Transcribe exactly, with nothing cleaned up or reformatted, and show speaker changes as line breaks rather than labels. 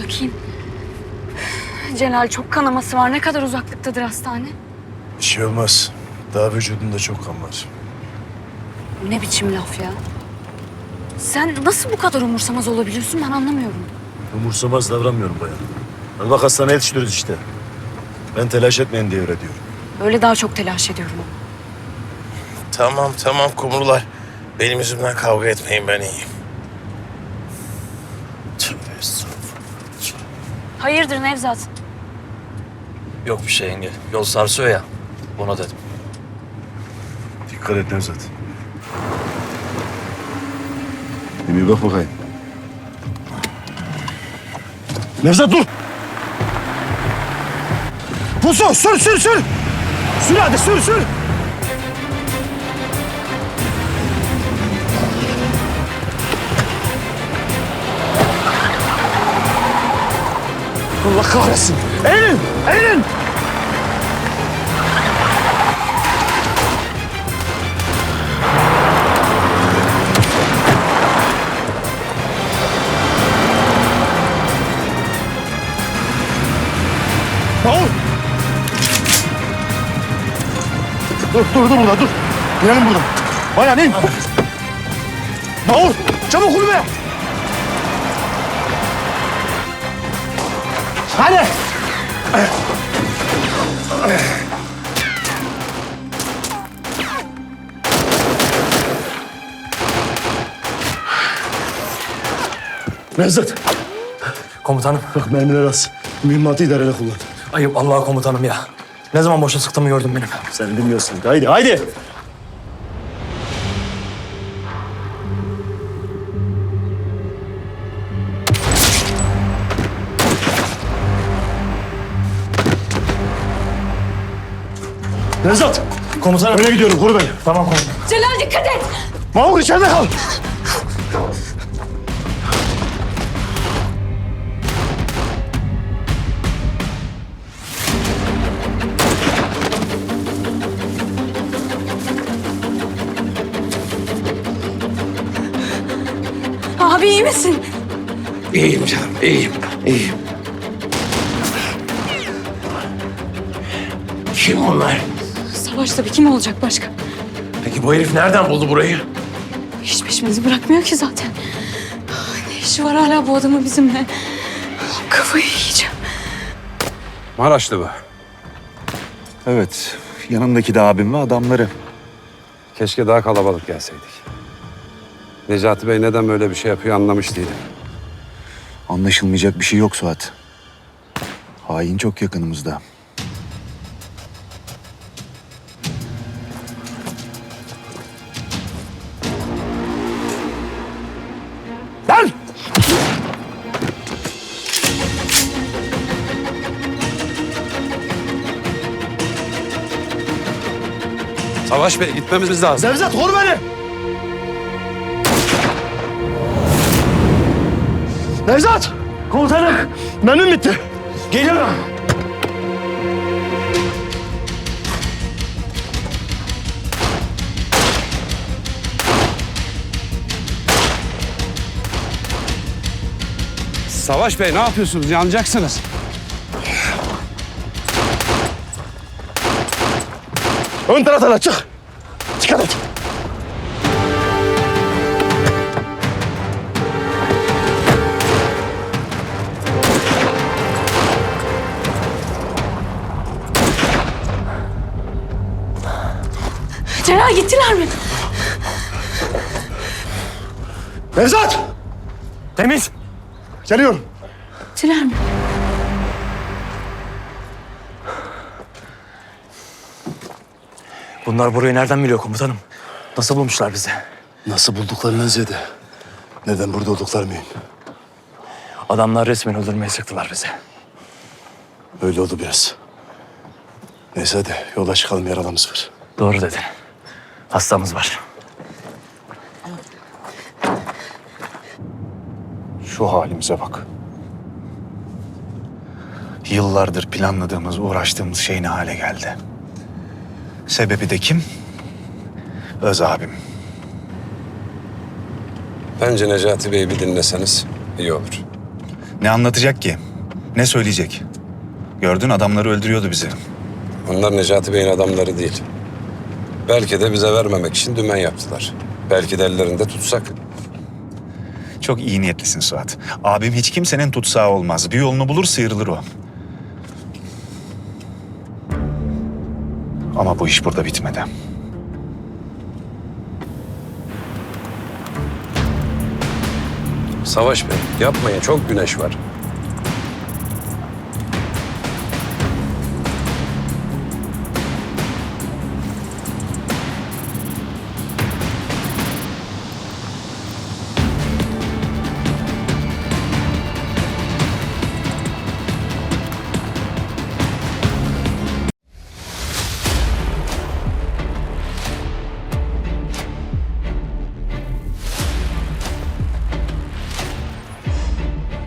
bakayım. Celal, çok kanaması var. Ne kadar uzaklıktadır hastane?
Bir şey olmaz. Daha vücudunda çok kan var.
Ne biçim laf ya? Sen nasıl bu kadar umursamaz olabiliyorsun, ben anlamıyorum.
Umursamaz davranmıyorum bayan. Hani bak hastaneye yetiştiriyoruz işte. Ben telaş etmeyin diye öyle diyorum.
Öyle daha çok telaş ediyorum.
Tamam tamam kumrular. Benim yüzümden kavga etmeyin, ben iyiyim. Tövbe estağfurullah.
Hayırdır Nevzat?
Yok bir şey yenge. Yol sarsıyor ya. Ona dedim.
Dikkat et Nevzat. Bir bak bakayım. Nevzat dur! Pusu sür sür sür! Sür hadi sür sür! Allah kahretsin! Eğilin! Eğilin! Mahur! Dur, dur, dur burada, dur. İnelim buradan. Bayan in. Mahur, çabuk kulübe. Hadi. Nevzat,
Komutanım.
bak mermiler az. Mühimmatı idareli kullan.
Ayıp Allah'a komutanım ya. Ne zaman boşa sıktığımı gördüm benim.
Sen bilmiyorsun. Haydi, haydi. Nevzat,
Komutanım.
öne gidiyorum. Koru beni.
Tamam komutanım.
Celal, dikkat et!
Mahur içeride kal.
Abi iyi misin?
İyiyim canım, iyiyim, iyiyim. Kim onlar?
Savaş tabii, kim olacak başka?
Peki bu herif nereden buldu burayı?
Hiç peşimizi bırakmıyor ki zaten. Ne işi var hala bu adamın bizimle? Kafayı yiyeceğim.
Maraşlı bu.
Evet, yanımdaki de abim ve adamları.
Keşke daha kalabalık gelseydik. Necati Bey neden böyle bir şey yapıyor anlamış değilim.
Anlaşılmayacak bir şey yok Suat. Hain çok yakınımızda.
Lan!
Savaş Bey gitmemiz lazım.
Nevzat, koru beni. Nevzat! Komutanım, mermim bitti. Geliyorum.
Savaş Bey ne yapıyorsunuz? Yanacaksınız.
Ön taraftan çık. Dikkat et.
Celal, gittiler mi?
Nevzat!
Temiz.
Geliyorum.
Gittiler mi?
Bunlar burayı nereden biliyor komutanım? Nasıl bulmuşlar bizi?
Nasıl bulduklarından ziyade. Neden burada oldukları mühim.
Adamlar resmen öldürmeye sıktılar bizi.
Öyle oldu biraz. Neyse hadi yola çıkalım, yaralımız var.
Doğru dedin. Hastamız var.
Şu halimize bak. Yıllardır planladığımız, uğraştığımız şey ne hale geldi? Sebebi de kim? Öz abim.
Bence Necati Bey'i bir dinleseniz iyi olur.
Ne anlatacak ki? Ne söyleyecek? Gördün, adamları öldürüyordu bizi.
Onlar Necati Bey'in adamları değil. Belki de bize vermemek için dümen yaptılar. Belki de ellerinde tutsak.
Çok iyi niyetlisin Suat. Abim hiç kimsenin tutsağı olmaz. Bir yolunu bulur, sıyrılır o. Ama bu iş burada bitmedi.
Savaş Bey, yapmayın. Çok güneş var.